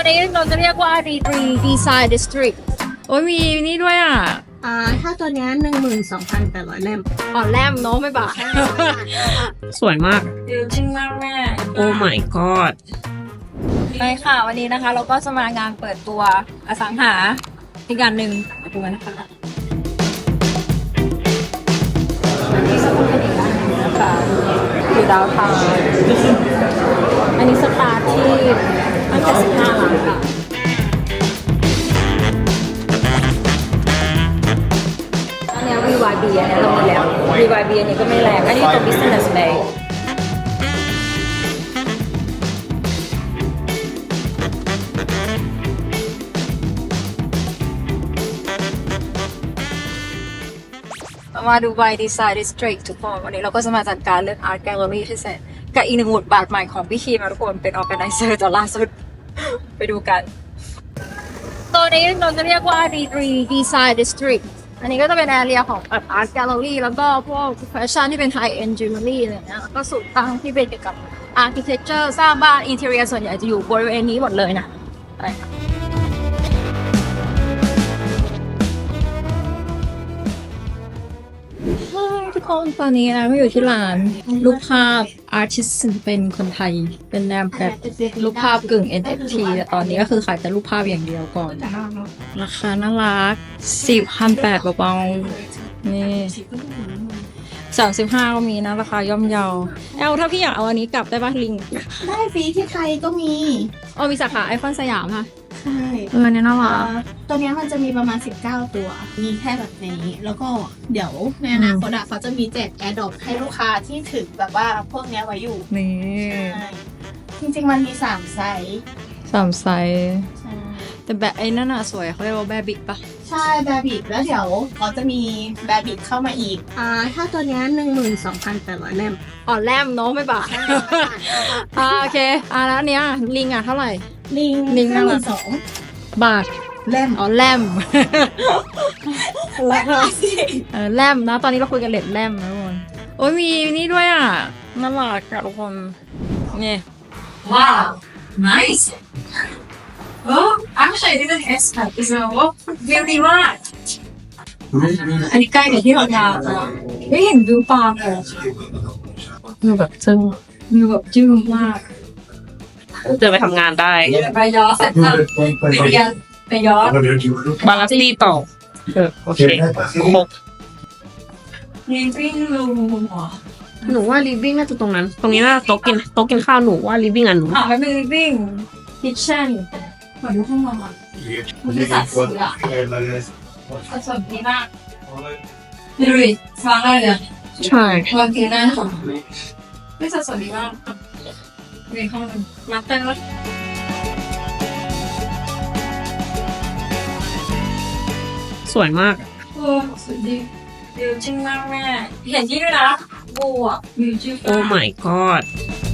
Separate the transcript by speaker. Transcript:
Speaker 1: นี้เราจะเรียกว่า D3 Design District
Speaker 2: โอ้ยมีนี่ด้วยอ่ะ
Speaker 3: ถ้าตัวนี้12,800 เล่ม
Speaker 1: อ่อนแรมเนาะไม่บา
Speaker 2: สวยมาก
Speaker 1: จริงมากแม่
Speaker 2: โอ้ my god
Speaker 1: ไปค่ะวันนี้นะคะ เราก็จะมางานเปิดตัวอสังหาอีกงานหนึ่งมาดูกันนะคะอันนี้จะเป็นอีกอันหนึงนะคะอยู่ดาวทาวน์อันนี้สตาร์ทที่ตั้งแต่15 ล้านค่ะอันนี้ VYB อันนี้เรามีแล้ว VYB อันนี้ก็ไม่แรงอันนี้ตัว Business Bayมาดู by Design District ทุกคนวันนี้เราก็จะมาจัดการเรื่อง Art Gallery ที่เสร็จกับอีกหนึ่งบทบาทใหม่ของพี่คีมนะทุกคนเป็น Organizer ตอนล่าสุด ไปดูกันตัวนี้เราจะเรียกว่า D3 Design District อันนี้ก็จะเป็น area ของ Art Gallery แล้วก็พวก Fashion ที่เป็น High End Jewelry อะไรอย่างเงี้ยแล้วก็สูตรตั้งที่เป็นเกี่ยวกับ Architecture สร้างบ้าน Interior ส่วนใหญ่จะอยู่บริเวณนี้หมดเลยนะอะไรค่ะทุกคนตอนนี้นะก็อยู่ที่ร้านรูปภาพ Artist เป็นคนไทยเป็นแนวแบบรูปภาพกึ่ง NFT แต่ตอนนี้ก็คือขายแต่รูปภาพอย่างเดียวก่อนราคาน่ารัก 4,800 เบาๆนี่35ก็มีนะราคาย่อมเยาถ้าพี่อยากเอาอันนี้กลับได้ป่ะลิง
Speaker 3: ได้ฟรีที่ไทยก็มี
Speaker 1: มีสาขาไอคอนสยามค่ะ
Speaker 3: ใช่
Speaker 1: อันนี้น่ารัก
Speaker 3: ตัวนี้มันจะมีประมาณ19 ตัว มีแค่แบบนี้ แล้วก็เดี๋ยวในอนาคตเขาจะมีแจกแอร์ดรอปให้ลูกค้าที่ถือแบบว่าพวกเนี้ยไว้อยู่
Speaker 1: นี่
Speaker 3: ใช่จริงๆมันมี3 ไซส์
Speaker 1: 3 ไซส์
Speaker 3: ใช่
Speaker 1: แต่แบบไอ้นั่นน่ะสวยเขาเรียกว่าแบบิกปะ
Speaker 3: ใช่แบบิกแล้วเดี๋ยวเขาจะมีแบบิกเข้ามาอีกถ้าตัวนี้12,800 เล่ม
Speaker 1: อ่อนแรมเนาะไม่บาท โอเคแล้วอันเนี้ยลิงเท่าไหร่
Speaker 3: ลิง
Speaker 1: น่ารัก
Speaker 3: 52,000
Speaker 1: บาท
Speaker 3: เล่ม
Speaker 1: แรม
Speaker 3: ราคาสิ
Speaker 1: แรมนะตอนนี้เราคุยกันเลทแรมนะทุกคนโอ้ยมีนี่ด้วยอ่ะน่ารักอะทุกคนนี่
Speaker 4: Wow, nice. Oh, actually, I didn't expect this. Oh, really right. อันนี้ใกล้กับที่เราทำไม่เห็นวิวปาเลย
Speaker 2: ดูแบบจึ้ง
Speaker 4: วิวแบบจื้อมาก
Speaker 2: เดินไปทำงานได้
Speaker 4: ไปย้อนเสร็จแล้วไปย้อน
Speaker 2: บาลานซ์ดีต่อโอเคครบ
Speaker 4: ยิงปิ้งรูหัว
Speaker 2: หนูว่าลิฟวิ่งน่าจะตรงนั้น ตรงนี้น่าโต๊ะกินข้าวหนูว่าลิฟวิ่งอ่ะหนู
Speaker 4: ไม่เป็นปิ้งคิทเช่นเหมือนดูห้องนอนมันจะสัดส่วนอะสัดส่วนดีมากดูดิฟังได้เลย
Speaker 2: ใช่
Speaker 4: วางเตียงหน้าของไม่สัดส่วนดีมากในห้องมาเตอร์
Speaker 2: สวยมาก
Speaker 4: โอ้สุดดีวิวจริงมากแม่เห็นที่ด้วยนะบัววิวจริง
Speaker 2: โอ้ my god